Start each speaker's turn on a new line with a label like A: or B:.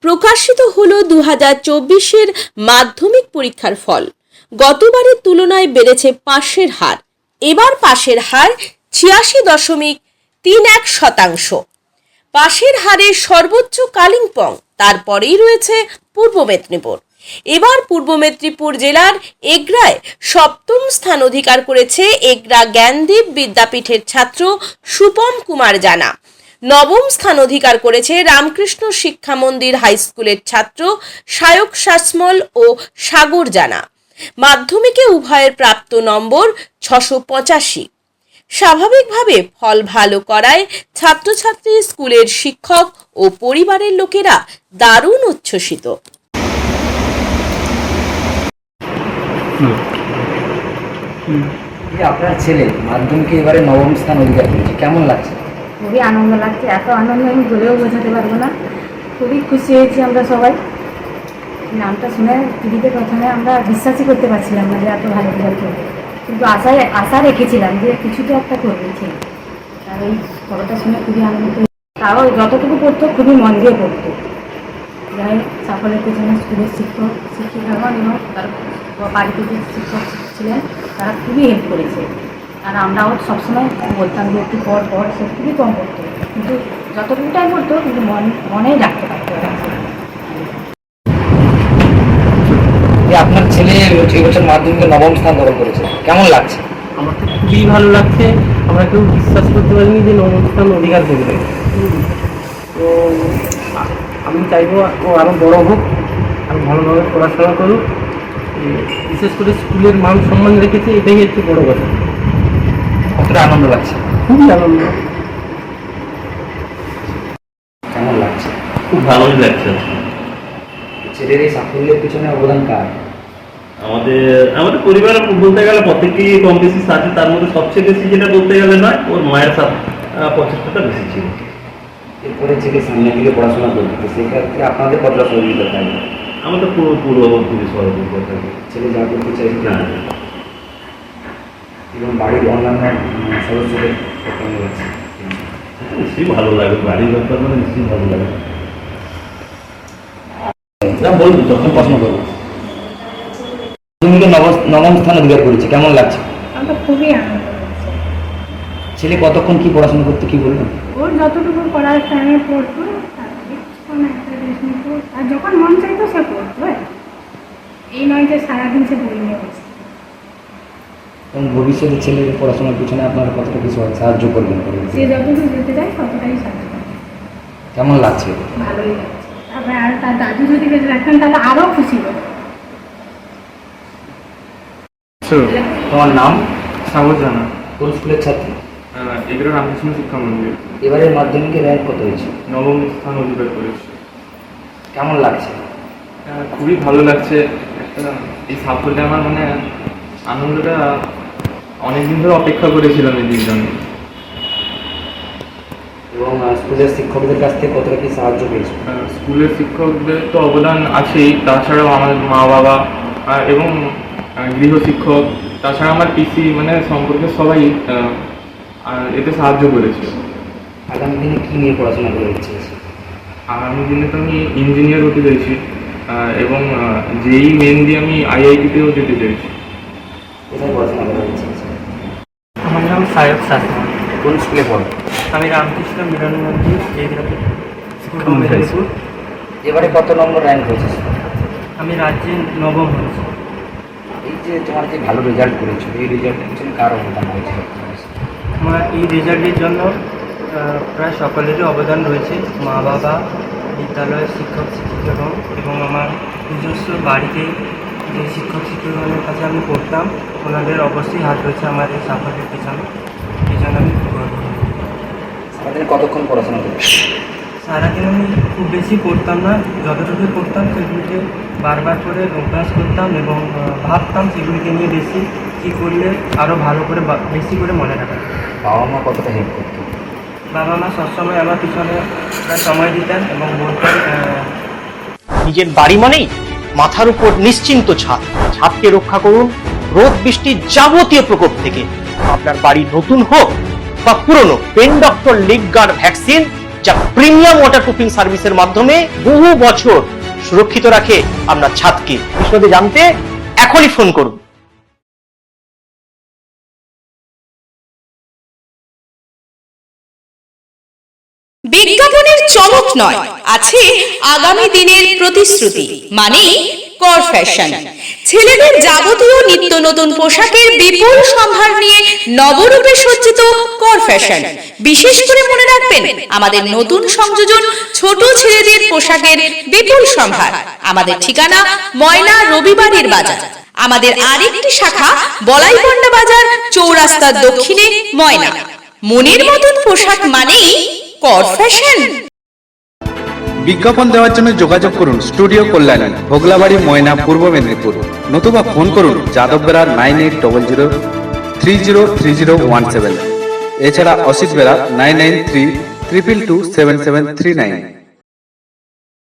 A: প্রকাশিত হলো 2024-এর মাধ্যমিক পরীক্ষার ফল। গতবারের তুলনায় বেড়েছে পাশের হার। এবার পাশের হার 86.31%। পাশের হারের সর্বোচ্চ কালিম্পং, তারপরেই রয়েছে পূর্ব মেদিনীপুর। এবার পূর্ব মেদিনীপুর জেলার এগরায় সপ্তম স্থান অধিকার করেছে এগরা জ্ঞানদীপ বিদ্যাপীঠের ছাত্র সুপম কুমার জানা। নবম স্থান অধিকার করেছে রামকৃষ্ণ শিক্ষা মন্দির হাই স্কুলের ছাত্র সায়ক শাসমল ও সাগর জানা। মাধ্যমিকে উভয়ের প্রাপ্ত নম্বর 685। স্বাভাবিকভাবে ফল ভালো করায় ছাত্রছাত্রী, স্কুলের শিক্ষক ও পরিবারের লোকেরা দারুণ উচ্ছ্বসিত।
B: আপনার ছেলে মাধ্যমিকে এবারে নবম স্থান অধিকার করেছে, কেমন লাগছে?
C: খুবই আনন্দ লাগছে। এত আনন্দ আমি বলেও বোঝাতে পারবো না। খুবই খুশি হয়েছি আমরা সবাই। নামটা শুনে টিভিতে প্রথমে আমরা বিশ্বাসই করতে পারছিলাম না যে এত ভালো রেজাল্ট করবে, কিন্তু আশা রেখেছিলাম যে কিছু তো একটা করবে ছেলে। আর এই খবরটা শুনে খুবই আনন্দিত। তাও যতটুকু পড়তো খুবই মন দিয়ে পড়তো। যাই সাফল্যের পেছনে স্কুলের শিক্ষিকাগণ এবং তার বাড়িতে যে শিক্ষক ছিলেন তারা খুবই হেল্প করেছে। আর আমরাও সবসময় বলতাম যে একটু পর সে খুবই কম পড়তো, কিন্তু যতটুকুটাই পড়তো কিন্তু মনেই রাখতে পারতো।
B: আপনার ছেলে এবছর মাধ্যমিকে নবম স্থান দখল করেছে, কেমন লাগছে?
D: আমার তো খুবই ভালো লাগছে। আমরা কেউ বিশ্বাস করতে পারিনি যে নবম স্থান অধিকার করবে। তো আমি চাইবো ও আরও বড় হোক, আরও ভালোভাবে পড়াশোনা করুক। বিশেষ করে স্কুলের মান সম্মান রেখেছে, এটাই হচ্ছে বড় কথা।
B: কতটা আনন্দ লাগছে?
D: খুবই আনন্দ।
B: কেমন লাগছে?
E: খুব ভালোই লাগছে।
B: ছেলের এই সাফল্যের পিছনে অবদান কার?
E: আমাদের পরিবার বলতে গেলে প্রত্যেকটি কম বেশি আছে, তার মধ্যে সবচেয়ে বেশি যেটা বলতে গেলে নয়, ওর মায়ের প্রচেষ্টাটা বেশি ছিল।
B: এরপরে ছেলে সামনে দিকে পড়াশোনা করবে, সেক্ষেত্রে আপনাদের কতটা সহযোগিতা থাকবে?
E: আমাদের পুরো খুবই সহযোগিতা থাকবে।
B: ছেলে যা করতে চাইছে
E: না,
B: এবং বাড়ির অন্যান্য সদস্যদের কেমন লাগছে?
E: নিশ্চয়ই ভালো লাগে, বাড়ির ব্যাপার মানে নিশ্চয়ই ভালো লাগে। বলবো যখন প্রশ্ন করবো।
B: মাধ্যমিকে নবম স্থান অধিকার করেছে, কেমন লাগছে?
C: আমরা খুবই আনন্দ লাগছে।
B: ছেলে কতক্ষণ কি পড়াশোনা করতে, কি বলবেন?
C: ওর যতটুকু পড়ার টাইমে পড়তো, তারপরে কোনো একটা ড্রেস নিত, আর যখন মন চাইতো সে পড়তো। এই নয় যে সারাদিন সে বই নিয়ে বসে।
B: এবং ভবিষ্যতে ছেলের পড়াশোনার পিছনে আপনারা কতটা কিছু সাহায্য করবেন?
C: সে যতটুকু যেতে চায় ততটাই সাহায্য করে।
B: কেমন লাগছে?
C: ভালোই লাগছে। তারপরে আর তার দাদু যদি বেঁচে রাখতেন তাহলে আরও খুশি হতো।
B: তোমার নাম?
D: সাগর জানা,
B: কোন স্কুলের ছাত্র?
D: এগুলো রামকৃষ্ণ শিক্ষা মন্দির।
B: এবারের মাধ্যমিকে র্যাঙ্ক কত হয়েছে?
D: নবম স্থান অধিকার করেছে।
B: কেমন লাগছে?
D: খুবই ভালো লাগছে। এই সাফল্যে আমার মানে আনন্দটা অনেকদিন ধরে অপেক্ষা করেছিলাম এই দিন।
B: এবং স্কুলের শিক্ষকদের কাছ থেকে কতটা কি সাহায্য পেয়েছে?
D: স্কুলের শিক্ষকদের তো অবদান আছেই, তাছাড়াও আমার মা বাবা এবং গৃহশিক্ষক, তাছাড়া আমার পিসি, মানে সম্পর্কে সবাই এতে সাহায্য করেছে।
B: আগামী দিনে কী নিয়ে পড়াশোনা করে ইচ্ছে আছে?
D: আগামী দিনে তো আমি ইঞ্জিনিয়ার হতে চাইছি এবং যেই মেন দিয়ে আমি IIT-তেও যেতে চাইছি।
B: কোথায় পড়াশোনা করার ইচ্ছে আছে?
D: আমার নাম সায়ক শাসমল।
B: কোন স্কুলে পড়ো?
D: আমি রামকৃষ্ণ মিলন মন্দির স্কুল মেদিনীপুর।
B: এবারে কত নম্বর র্যাঙ্ক হয়েছে?
D: আমি রাজ্যে নবম হয়েছি।
B: এই যে তোমার যে ভালো রেজাল্ট করেছো, এই রেজাল্টের পিছনে কার অবদান হয়েছে?
D: আমার এই রেজাল্টের জন্য প্রায় সকলেরই অবদান রয়েছে। মা বাবা, বিদ্যালয়ের শিক্ষক শিক্ষিকাগণ এবং আমার নিজস্ব বাড়িতে যে শিক্ষক শিক্ষকগণের কাছে আমি পড়তাম, ওনাদের অবশ্যই হাত রয়েছে আমার এই সাফল্যের পেছনে। এই জন্য আমি
B: সারাদিন কতক্ষণ পড়াশোনা করছো?
D: সারাদিন আমি খুব বেশি পড়তাম না, যতটুকু পড়তাম সেগুলিকে বারবার করে অভ্যাস করতাম এবং ভাবতাম সেগুলিকে নিয়ে বেশি কী করলে আরও ভালো করে বেশি করে মনে রাখা।
B: বাবা মা কতটা হেল্প করতো?
D: বাবা মা সবসময় আমার পিছনে সময় দিতেন এবং বলতেন
F: নিজের বাড়ি মানেই মাথার উপর নিশ্চিন্ত ছাদ। ছাদকে রক্ষা করুন রোদ বৃষ্টির যাবতীয় প্রকোপ থেকে। আপনার বাড়ি নতুন হোক বা পুরনো, pen doctor leak guard vaccine যা প্রিমিয়াম ওয়াটারপ্রুফিং সার্ভিসের মাধ্যমে বহু বছর সুরক্ষিত রাখে আপনার ছাদকে। বিশদে জানতে এখনই ফোন করুন।
A: বিজ্ঞাপনের চমক নয়, আছে আগামী দিনের প্রতিশ্রুতি, মানে কর ফ্যাশন। ছেলেদের যাবতীয় নিত্য নতুন পোশাকের বিপুল সম্ভার নিয়ে নবরূপে সজ্জিত কর ফ্যাশন। বিশেষ করে মনে রাখবেন, আমাদের নতুন সংযোজন ছোট ছেলেদের পোশাকের বিপুল সম্ভার। আমাদের ঠিকানা ময়না রবিবারের বাজার। আমাদের আরেকটি শাখা বলাইপন্ডা বাজার, চৌরাস্তার দক্ষিণে ময়না। মনের মতন পোশাক মানেই কর ফ্যাশন।
G: বিজ্ঞাপন দেওয়ার জন্য যোগাযোগ করুন স্টুডিও কল্যাণী, ভোগলাবাড়ি, ময়না, পূর্ব মেদিনীপুর। নতুবা ফোন করুন যাদব বেরা 9800303017। এছাড়া অসিত বেরা 9932227739।